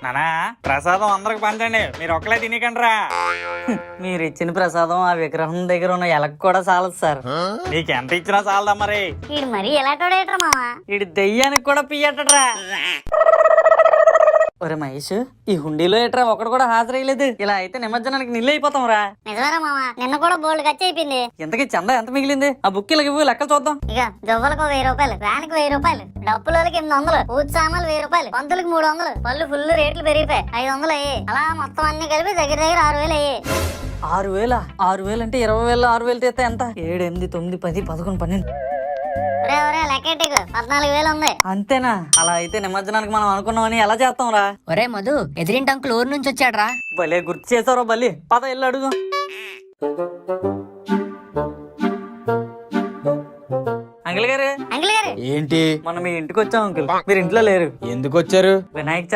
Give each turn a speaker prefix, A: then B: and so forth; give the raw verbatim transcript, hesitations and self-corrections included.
A: నానా ప్రసాదం అందరికి పంచండి, మీరు ఒక్కలే తినకండ్రా.
B: మీరు ఇచ్చిన ప్రసాదం ఆ విగ్రహం దగ్గర ఉన్న ఎలక కూడా చాలదు సార్.
A: నీకు ఎంత ఇచ్చినా చాలదా మరి.
C: వీడు మరీ ఎలాంటోడేట్రా మావా.
B: ఇటు దెయ్యానికి కూడా పియ్యటరా. ఒరే మహేష్, ఈ హుండీలో ఏట్రా ఒకడు కూడా హాజరయ్యలేదు. ఇలా అయితే నిమజ్జనానికి నిల్లు అయిపోతాం రా.
C: నిజమేరా మావా, నిన్న కూడా బోల్డ్ ఖర్చు అయిపోయింది.
B: ఇంతకీ చందా ఎంత మిగిలింది? ఆ బుక్ ఇలా ఇవ్వు, లెక్కలు చూద్దాం.
C: ఇక జవ్వలకు వెయ్యి రూపాయలు, వ్యాన్కి వెయ్యి రూపాయలు, డప్పులకి ఎనిమిది వందలు, పూజ సామాన్లు వెయ్యి రూపాయలు, పంతులకి మూడు వందలు, పళ్ళు ఫుల్ రేట్లు పెరిగిపోయి ఐదు వందలు అయ్యి. అలా మొత్తం అన్ని కలిపి దగ్గర దగ్గర ఆరు వేలు అయ్యి.
B: ఆరు వేల ఆరు వేలు అంటే ఇరవై వేలు ఆరు వేలు తీస్తే ఎంత? ఏడు ఎనిమిది తొమ్మిది పది పదకొండు పన్నెండు.
C: ఒరే ఒరే లెక్కెట్టుకు, పద్నాలుగు వేలు ఉంది.
B: అంతేనా? అలా అయితే నిమజ్జనానికి మనం అనుకున్నామని ఎలా చేస్తాం రా?
D: ఒరే మధు, ఎదిరింటి అంకుల్ ఊరు నుంచి వచ్చాడ్రా.
B: భలే గుర్తు చేసావురా బల్లి. పద ఇల్లు అడుగు. అంకుల్ గారు,
C: అంకుల్ గారు
E: ఏంటి?
B: మనం మీ ఇంటికి వచ్చాం అంకుల్. మీరు ఇంట్లో లేరు.
E: ఎందుకు వచ్చారు?
B: వినాయక